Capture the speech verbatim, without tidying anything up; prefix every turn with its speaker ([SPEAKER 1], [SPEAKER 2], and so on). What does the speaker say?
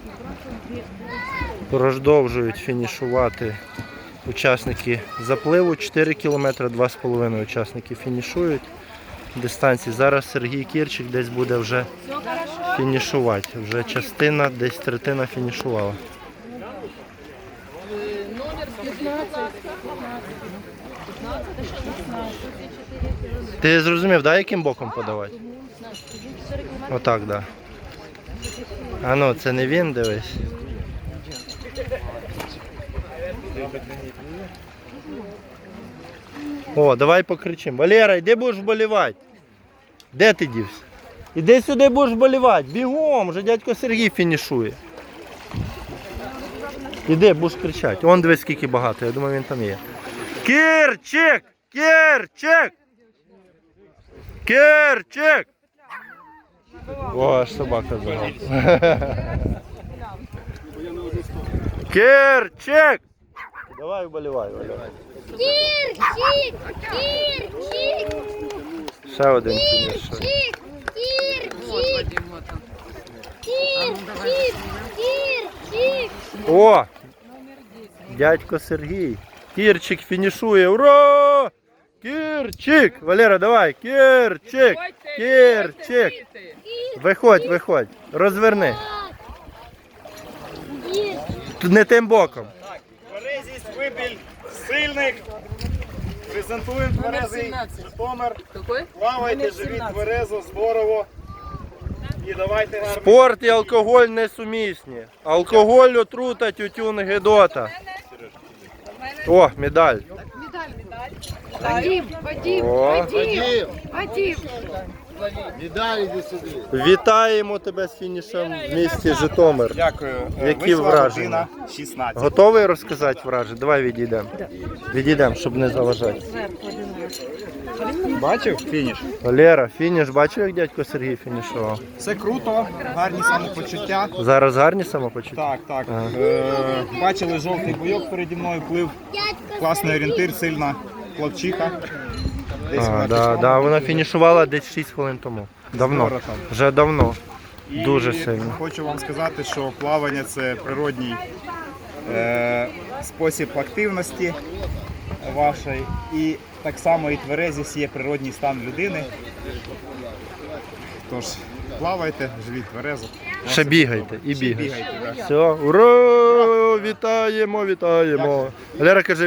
[SPEAKER 1] Продовжують фінішувати учасники запливу. чотири кілометри, два з половиною учасники фінішують дистанції. Зараз Сергій Кірчик десь буде вже фінішувати. Вже частина, десь третина фінішувала. Ти зрозумів, да, яким боком подавати? Отак, так. Да. А ну, це не він, дивись. О, давай покричимо. Валера, йди будеш вболівати. Де ти дівся? Іди сюди будеш вболівати. Бігом, вже дядько Сергій фінішує. Іди, будеш кричати. Вон дивись, скільки багато, я думаю, він там є. Кірчик! Кірчик! Кірчик! О, аж собака загала. Кірчик! Давай вболівай, вболівай.
[SPEAKER 2] Кірчик! Кірчик!
[SPEAKER 1] Ще один фініш.
[SPEAKER 2] Кірчик! Кірчик! Кірчик! Кірчик!
[SPEAKER 1] О! Дядько Сергій. Кірчик фінішує. Ура! Кірчик! Валера, давай! Кірчик! Кірчик! Виходь, виходь. Розверни. Не тим боком.
[SPEAKER 3] Тверезість, вибіль, сильних. Презентуємо тверезий Житомир. Плавайте, живіть тверезо, здорово. І давайте гарно.
[SPEAKER 1] Спорт і алкоголь несумісні. Алкоголь, отрута, тютюн, гидота. О, медаль.
[SPEAKER 4] Вадим, Вадим,
[SPEAKER 1] О.
[SPEAKER 4] Вадим, Вадим.
[SPEAKER 1] Вітаємо тебе з фінішем в місті Житомир.
[SPEAKER 3] Дякую.
[SPEAKER 1] Які
[SPEAKER 3] Вийшла
[SPEAKER 1] враження?
[SPEAKER 3] година шістнадцять.
[SPEAKER 1] Готовий розказати враження? Давай відійдемо. Відійдемо, щоб не заважати.
[SPEAKER 3] Бачив фініш?
[SPEAKER 1] Валера, фініш, бачив, як дядько Сергій фінішував?
[SPEAKER 3] Все круто, гарні самопочуття.
[SPEAKER 1] Зараз гарні самопочуття?
[SPEAKER 3] Так, так.
[SPEAKER 1] Ага.
[SPEAKER 3] Е, бачили жовтий бойок переді мною, плив. Класний орієнтир, сильна плавчиха. Десь
[SPEAKER 1] А,
[SPEAKER 3] вона
[SPEAKER 1] да,
[SPEAKER 3] пішла.
[SPEAKER 1] да, вона фінішувала десь шість хвилин тому. Давно.
[SPEAKER 3] Скоро там.
[SPEAKER 1] Вже давно.
[SPEAKER 3] І
[SPEAKER 1] Дуже сильно.
[SPEAKER 3] хочу вам сказати, що плавання це природній е, спосіб активності вашої. І так само і тверезість є природній стан людини. Тож плавайте, живіть тверезо.
[SPEAKER 1] Ще бігайте і
[SPEAKER 3] Ще
[SPEAKER 1] бігайте.
[SPEAKER 3] бігайте, да.
[SPEAKER 1] Все, ура! Вітаємо, вітаємо. Валера каже,